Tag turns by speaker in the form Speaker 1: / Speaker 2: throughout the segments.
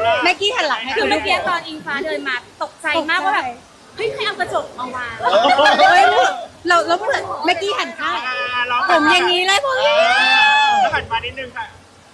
Speaker 1: แม็กกี้หันหลังให้
Speaker 2: คือ
Speaker 1: ดู
Speaker 2: เมื่อกี้ตอนอิงฟ้าเดินมาตกใจมากว่าแบบเฮ้ยใครเอากระจกมาวาง
Speaker 1: เฮ้ยเราเหมือนแม็กกี้หันข้างผมอย่างนี้เลยผม
Speaker 3: แล้วหันมานิดนึงค่ะ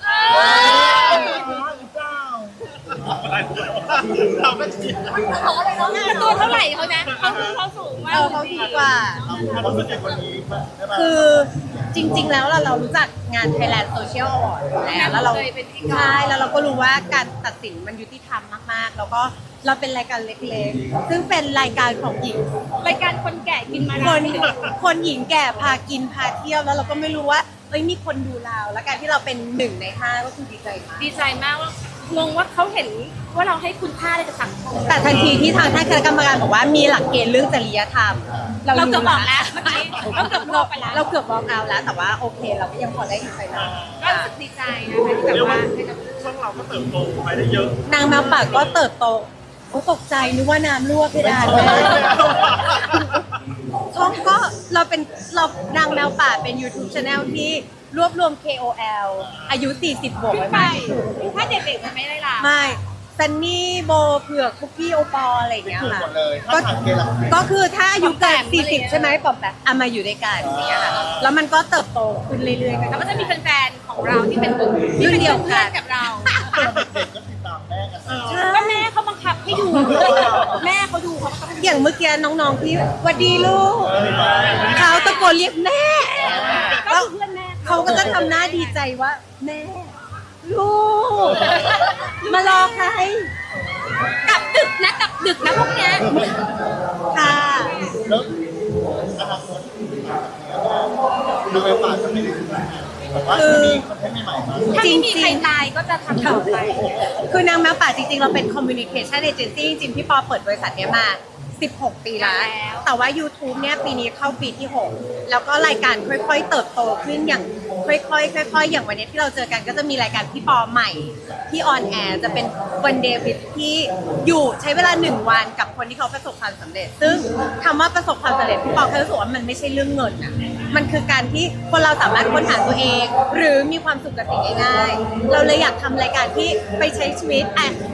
Speaker 3: เราก็ชิน
Speaker 2: ตัวเท่าไหร่เขานะเขาสูงมาก
Speaker 1: เขาดีกว่า
Speaker 3: เรารู้สึกวันนี้ใช่ไหม
Speaker 1: คือจริงๆแล้วเรารู้จักงาน Thailand Social Award แล้วเรา
Speaker 2: เคยเป็นพิธีกร
Speaker 1: ใช่แล้วเราก็รู้ว่าการตัดสินมันยุติธรรมมากๆ แล้วก็เราเป็นรายการเล็กๆ ซึ่งเป็นรายการของหญิง
Speaker 2: รายการคนแก่กินมา
Speaker 1: คนหญิงแก่พากินพาเที่ยวแล้วเราก็ไม่รู้ว่ามีคนดูเราแล้วการที่เราเป็น1 ใน 5ก็คือดีใจมาก
Speaker 2: ดีใจมากว่างงว่าเขาเห็นว่าเราให้คุณค่าอะไรกับสังคม
Speaker 1: แต่ทันทีที่ทางท่านคณะกรรมการบอกว่ามีหลักเกณฑ์เรื่องจริยธรรม
Speaker 2: เราเกือบบอกแล้วเมื่อกี้เราเกือบบอกไปแล้ว
Speaker 1: เราเกือบบอกเอาแล้วแต่ว่าโอเคเราก็ยังพอได้อินไซด์
Speaker 2: ก็รู้สึกดีใจนะคะที่แบบ
Speaker 3: เรียกว่า
Speaker 2: ว่าให้กับ
Speaker 3: ช่องเราก็เติบโตไปได้เยอะ
Speaker 1: นางแมวป่าก็เติบโตเขาตกใจนึกว่าน้ำรั่วเพดานแม่ช่องก็เรานางแมวป่าเป็น YouTube Channel ที่รวบรวม KOL อายุ 40 บวก
Speaker 2: ขึ้
Speaker 1: ไว้
Speaker 2: นไป
Speaker 1: มาก
Speaker 2: ถ้าเด็กๆมันไม่ได้ล่ะ
Speaker 1: ไม่ซันนี่โบเผือกคุกกี้โอปอลอะไรอย่างเงี้ย
Speaker 3: ถูก
Speaker 1: ค่ะ
Speaker 3: หมดเลยถ้าทางเกลับ
Speaker 1: ก็คือถ้าอายุเกิน40 ใช่ไหมปอมแบบเอามาอยู่ด้วยกันอย่างเงี้ยค่ะแล้วมันก็เติบโตขึ้นเรื่อยๆกัน
Speaker 2: แล้วก็จะมีแฟนๆของเราที่เป็นที่เป็นเพื่อนกับเรา
Speaker 3: เด็กก็ติดตามแม่กัน
Speaker 2: ก็แม่เขาบังคับให้ดูแม่เขาดูเขาบังคับให้ดู
Speaker 1: อย่างเมื่อกี้น้องๆที่หวัดดีลูกเขาตะโกนเรียกแม่
Speaker 2: ก็คือเพื่อนแม่
Speaker 1: เขาก็จะทำหน้าดีใจว่าแม่ลูกมารอใคร
Speaker 2: กลับดึกนะพวกเนี้ย
Speaker 1: ค่ะ
Speaker 3: แล้วอนาคตดูเวลป่าจะไม่ได้แบบว่ามีคอนเทนต์ใหม่ๆมา
Speaker 2: ถ้าไม่มีใครตายก็จะทำต่อไป
Speaker 1: คือนางแมวป่าจริงๆ เราเป็น communication agency จริงๆ พี่ปอเปิดบริษัทเนี้ยมา 16 ปีแล้ว แต่ว่า YouTube เนี่ยปีนี้เข้าปีที่ 6 แล้วก็รายการค่อยๆ เติบโตขึ้นอย่างค่อยๆ อย่างวันนี้ที่เราเจอกันก็จะมีรายการพี่ปอใหม่ที่ออนแอร์จะเป็นวันเดวิดที่อยู่ใช้เวลา 1 วันกับคนที่เขาประสบความสำเร็จ ซึ่งคำว่าประสบความสำเร็จพี่ปอแค่รู้สึกว่ามันไม่ใช่เรื่องเงินอะมันคือการที่คนเราสามารถค้นหาตัวเอง หรือมีความสุขกับสิ่งง่ายๆเราเลยอยากทำรายการที่ไปใช้ชีวิต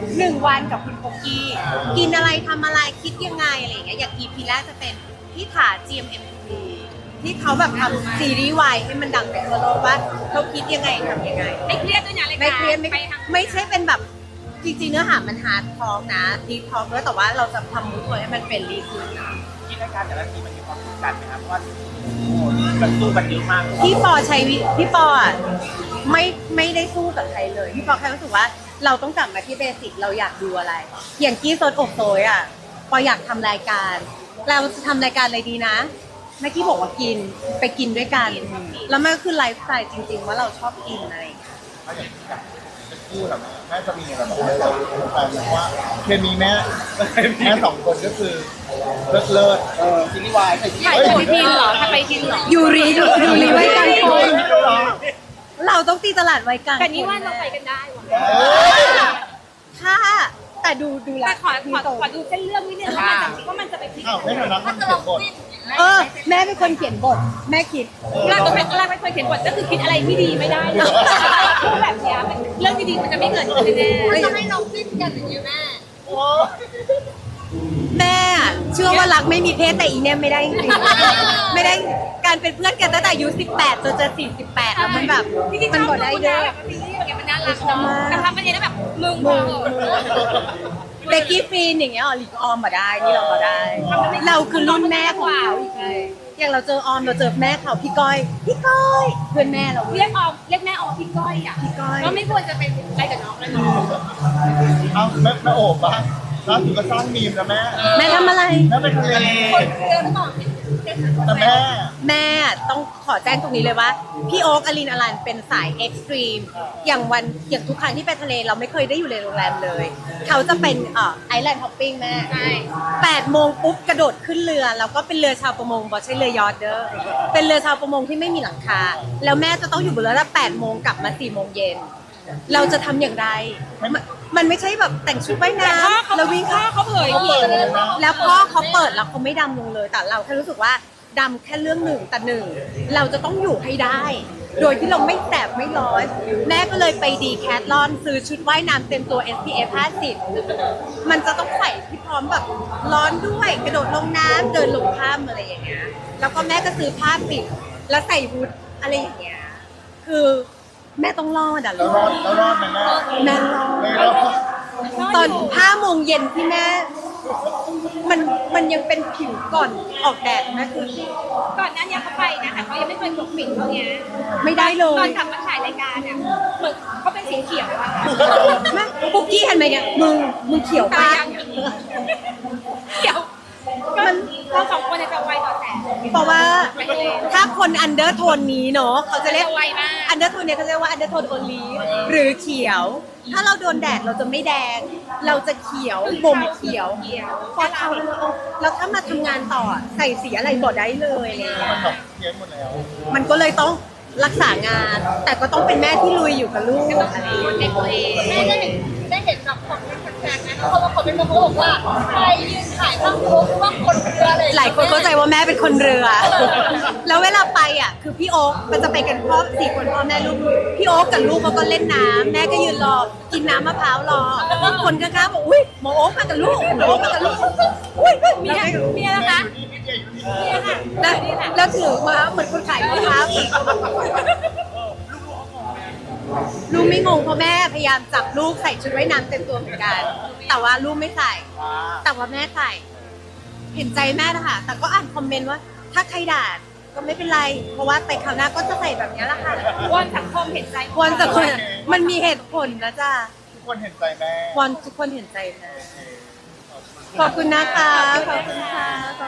Speaker 1: 1 วันกับคุณโปกกี้กินอะไรทำอะไรคิดยังไงอะไรอย่างเงี้ยอย่าง EP แรกจะเป็นพี่ถา GMMTV ที่เขาแบบทำซีรีส์วายให้มันดังไปทั่วโลกว่าเขาคิดยังไงทำยังไง
Speaker 2: ไม่เครียดด้วยนะราย
Speaker 1: ไม่
Speaker 2: การ
Speaker 1: เครียด
Speaker 2: ไปทาง
Speaker 1: ไม่ใช่เป็นแบบจริงๆเนื้อหามันฮาร์ดทอล์กนะดีทอล์กด้วยแต่ว่าเราจะทำมูดให้มันเป็นรีขึ้น
Speaker 3: ที่รายการแต่ละทีมันมีความกดดันไหมครับว่ามันสู้กันเยอะมาก
Speaker 1: พี่ปอพี่ปออ่ะไม่ได้สู้กับใครเลยพี่ปอแค่รู้สึกว่าเราต้องกลับมาที่เบสิกเราอยากดูอะไร อย่างกี้โซนอกโซยอ่ะปออยากทำรายการเราจะทำรายการอะไรดีนะแม่กี้บอกว่ากินไปกินด้วยกันแล้วมันก็คือไลฟ์สไตล์จริง ๆ ว่าเราชอบกินอะไรอย่างเงี้ย
Speaker 3: ถ้าอย่างที่แบบเป็นคู่แบบแม่จะมีอะไรแบบเราแฟนว่าเคมีแม่2 คนก็คือเลิศซีรีส์วาย
Speaker 2: ถ่ายไปทินเหรอถ่ายไปทินเหรอ
Speaker 1: ยูรีไว้กลางคนเราต้องตีตลาดไว้กลาง
Speaker 2: แต่นี่ว่าเราไปกันได้ว่ะ
Speaker 1: ถ้าแต่ดูแล
Speaker 2: แต่ขอดูเส้นเรื่องนิดนึงว่ามันจะไปพลิก
Speaker 3: อ้าวไม่ทันนะมันเขียนบท
Speaker 1: แม่เป็นคนเขียนบทแม่คิด
Speaker 2: เราไม่เคยเขียนบทก็คือคิดอะไรที่ดีไม่ได้เลยพูดแบบเนี้ยเรื่องดีๆมันจะไม่เกิดขึ้นแน่ๆจะให้เราคิดกันอย่างนี้แม่
Speaker 1: แม่เชื่อว่ารักไม่มีเพศแต่อีเนี่ยไม่ได้จริงๆไม่ได้การเป็นเพื่อนกันตั้งแต่อายุ18จนจะ48แล้วมันแบบมันบ่ได้เด้อ
Speaker 2: แบบซีรีส์แบบมันน่ารักเนาะแต่ทำประเด็นแล้วแบบมึง
Speaker 1: เบกกี้ฟรีนอย่างเงี้ยหลีกออมมาได้นี่เราก็ได้ เราคือรุ่นแม่ของเขาอีกไงอย่างเราเจอออมเราเจอแม่เขาพี่ก้อยเพื่อนแม่เรา
Speaker 2: เรียกแม่ออกพี่ก้อยอ่ะ
Speaker 1: พี่ก้อย
Speaker 2: ก็ไม่ควรจะเป็นอะไรกับน้องเลยเนาะ
Speaker 3: เอาแม่โอบบ้างล่าสุดก็สร้างมีมนะแม่
Speaker 1: แม่ทำอะไร
Speaker 3: แม่ไปทะเล
Speaker 2: เดินต่อ
Speaker 3: แต่แม่
Speaker 1: ต้องขอแจ้งตรงนี้เลยว่าพี่โอ๊กอลินอลันเป็นสายเอ็กซ์ตรีมอย่างทุกครั้งที่ไปทะเลเราไม่เคยได้อยู่ในโรงแรมเลย เขาจะเป็นไอแลนด์ฮอปปิ้งแม่
Speaker 2: ใช่
Speaker 1: 8 โมงปุ๊บกระโดดขึ้นเรือแล้วก็เป็นเรือชาวประมงบอกใช่เรือยอทเด้อเป็นเรือชาวประมงที่ไม่มีหลังคาแล้วแม่จะต้องอยู่บนเรือตั้ง8 โมงกลับมา4 โมงเย็นเราจะทำอย่างไรมันไม่ใช่แบบแต่งชุดว่ายน้ำแล้ววิ่ง
Speaker 2: พ่อเขาเผยอีก
Speaker 1: แล้วพ่อเขาเปิดแล้วเขาไม่ดำลงเลยแต่เราแค่รู้สึกว่าดำแค่เรื่องหนึ่งแต่หนึ่งเราจะต้องอยู่ให้ได้โดยที่เราไม่แสบไม่ร้อนแม่ก็เลยไปดีแคทลอนซื้อชุดว่ายน้ำเต็มตัว SPF 50มันจะต้องใส่ที่พร้อมแบบร้อนด้วยกระโดดลงน้ำเดินลงถ้ำอะไรอย่างเงี้ยแล้วก็แม่ก็ซื้อผ้าปิดแล้วใส่ฮูดอะไรอย่างเงี้ยคือแม่ต้องรอดอ่ะ
Speaker 3: แล้วรอดไหมแม่
Speaker 1: แม่รอด
Speaker 3: ไม่รอด
Speaker 1: ตอน5 โมงเย็นที่แม่มันยังเป็นผิวก่อนออกแดดนะคือ
Speaker 2: ก่อนหน้านี้เขาไปนะแต่เขายังไม่เคยปกปิดเขาเนี้ย
Speaker 1: ไม่ได้เล
Speaker 2: ตอย นกลับมาถ่ายรายการเนี่ยเหมือนเขาเป็นสีเขียวอะ
Speaker 1: แม่ปุ๊กกี้เห็นไหมเนี่ยมึงเขียว
Speaker 2: ตา
Speaker 1: ปะ
Speaker 2: ยังเขียวก็เราสองคนจะไวต่อแสง
Speaker 1: เพราะว่าถ้าคนอันเดอร์โทนนี้เนาะเขาจะเรียก
Speaker 2: จะไวมาก
Speaker 1: อันเดอร์โทนเนี่ยเขาจะเรียกว่าอันเดอร์โทนโอลีฟหรือเขียว ถ้าเราโดนแดดเราจะไม่แดง เราจะเขียวบ่มเขียวพอเราแล้วถ้ามาทำงานต่อใส่สีอะไรก็ได้เลยอะไรอย่างเงี้ย
Speaker 3: มันแบบเพี้ยนหมดแล้ว
Speaker 1: มันก็เลยต้องรักษางาน แต่ก็ต้องเป็นแม่ที่ลุยอยู่กับลูกอะไรอย่างเงี้ย
Speaker 2: ในตัวเอง
Speaker 4: แม่ได้เห็นแบบของแฟนๆนะเขามาคอมเมนต์มาเขาบอกว่าใครยืนถ่ายข้างโค้งหรือว่าคนเรืออะไร
Speaker 1: หลายคนเข้าใจว่าแม่เป็นคนเรือ แล้วเวลาไปอ่ะ คือพี่โอ๊คมันจะไปกันพ่อ4 คนพ่อแม่ลูก พี่โอ๊คกับลูกเขาก็เล่นน้ำแม่ก็ยืนรอ กินน้ำมะพร้าวรอ คนข้างๆบอกอุ้ยหมอโอ๊คมากับลูกหมอโอ๊คมากับลูก อุ้ยเมีย
Speaker 2: เมียนะคะ
Speaker 3: นี่อยู่นี่
Speaker 2: เมียค่ะ
Speaker 1: แล้วถือมาเหมือนคนขายมะพร้าวลูกไม่งงเพราะแม่พยายามจับลูกใส่ชุดว่ายน้ำเต็มตัวเหมือนกัน แต่ว่าลูกไม่ใส่ แต่ว่าแม่ใส่ เห็นใจแม่นะคะแต่ก็อ่านคอมเมนต์ว่า ถ้าใครด่าก็ไม่เป็นไร เพราะว่าไปคราวหน้าก็จะใส่แบบนี้แหละค่ะ
Speaker 2: วอนสังคมเห็นใจ
Speaker 1: วอนสักคนมันมีเหตุผลนะจ๊ะ
Speaker 3: ทุกคนเห็นใจแม่
Speaker 1: วอนทุกคนเห็นใจแม่ขอบคุณนะคะ ขอบคุณค่ะ